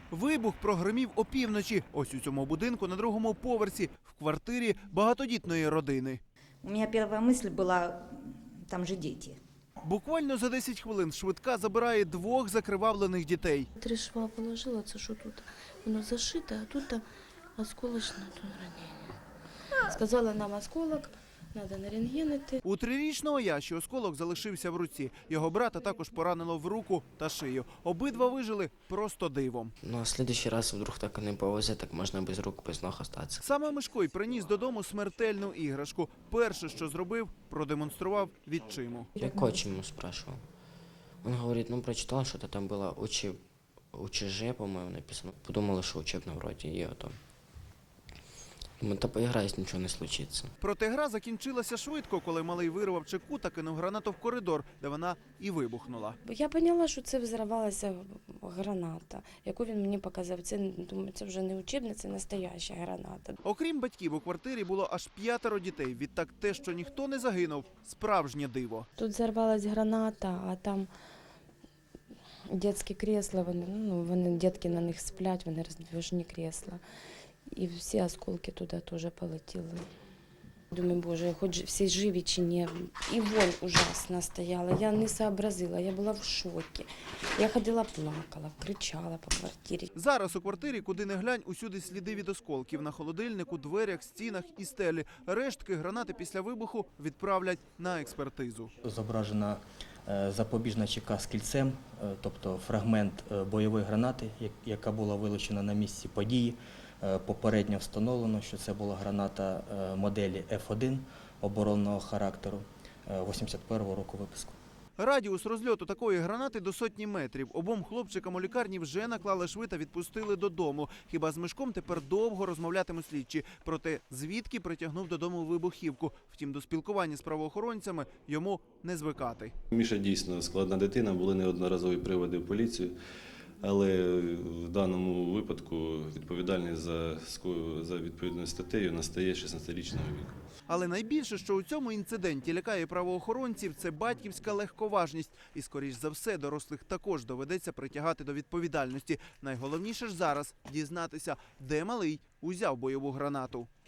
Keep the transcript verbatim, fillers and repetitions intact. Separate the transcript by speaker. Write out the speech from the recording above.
Speaker 1: Вибух прогримів опівночі. Ось у цьому будинку на другому поверсі, в квартирі багатодітної родини.
Speaker 2: У меня первая мысль была, там же дети.
Speaker 1: Буквально за десять хвилин швидка забирає двох закривавлених дітей.
Speaker 3: Три шва положила, це що тут воно зашите, а тут там осколочне тут ранення. Сказала нам осколок, треба на рентген іти.
Speaker 1: У трирічного Яші осколок залишився в руці. Його брата також поранило в руку та шию. Обидва вижили просто дивом.
Speaker 4: Ну, а в следующий раз вдруг так і не повезе, так можна без рук, без ног остатися.
Speaker 1: Саме Мишко й приніс додому смертельну іграшку. Перше, що зробив, продемонстрував відчиму.
Speaker 4: Я коч ему спрашивал. Он говорит, ну, прочитал, что-то там было учи... УЧЖ, по-моему, написано. Подумала, что учебно вроде, и это. Думаю, та поиграюсь, ничего не случится.
Speaker 1: Проте гра закінчилася швидко, коли малий вирвав чеку та кинув гранату в коридор, де вона і вибухнула.
Speaker 3: Я поняла, що це взривалася граната, яку він мені показав. Це, думаю, це вже не учебна, це настояща граната.
Speaker 1: Окрім батьків, у квартирі було аж п'ятеро дітей. Відтак те, що ніхто не загинув – справжнє диво.
Speaker 3: Тут взорвалась граната, а там дитячі крісла, вони, ну, вони, дітки на них сплять, вони роздвижні крісла. І всі осколки туди теж полетіли. Думаю, боже, хоч всі живі чи ні. І вонь ужасна стояла, я не сообразила, я була в шокі. Я ходила, плакала, кричала по квартирі.
Speaker 1: Зараз у квартирі, куди не глянь, усюди сліди від осколків. На холодильнику, дверях, стінах і стелі. Рештки гранати після вибуху відправлять на експертизу.
Speaker 5: Зображена е, запобіжна чека з кільцем, е, тобто фрагмент е, бойової гранати, як- яка була вилучена на місці події. Е, Попередньо встановлено, що це була граната е, моделі еф один оборонного характеру е, вісімдесят першого року випуску.
Speaker 1: Радіус розльоту такої гранати до сотні метрів. Обом хлопчикам у лікарні вже наклали шви та відпустили додому. Хіба з Мишком тепер довго розмовлятимуть слідчі. Проте звідки притягнув додому вибухівку. Втім, до спілкування з правоохоронцями йому не звикати.
Speaker 6: Міша дійсно складна дитина, були неодноразові приводи в поліцію, але в даному випадку відповідальність за, ско- за відповідною статтею настає шістнадцятирічного віку.
Speaker 1: Але найбільше, що у цьому інциденті лякає правоохоронців, це батьківська легковажність. І, скоріш за все, дорослих також доведеться притягати до відповідальності. Найголовніше ж зараз – дізнатися, де малий узяв бойову гранату.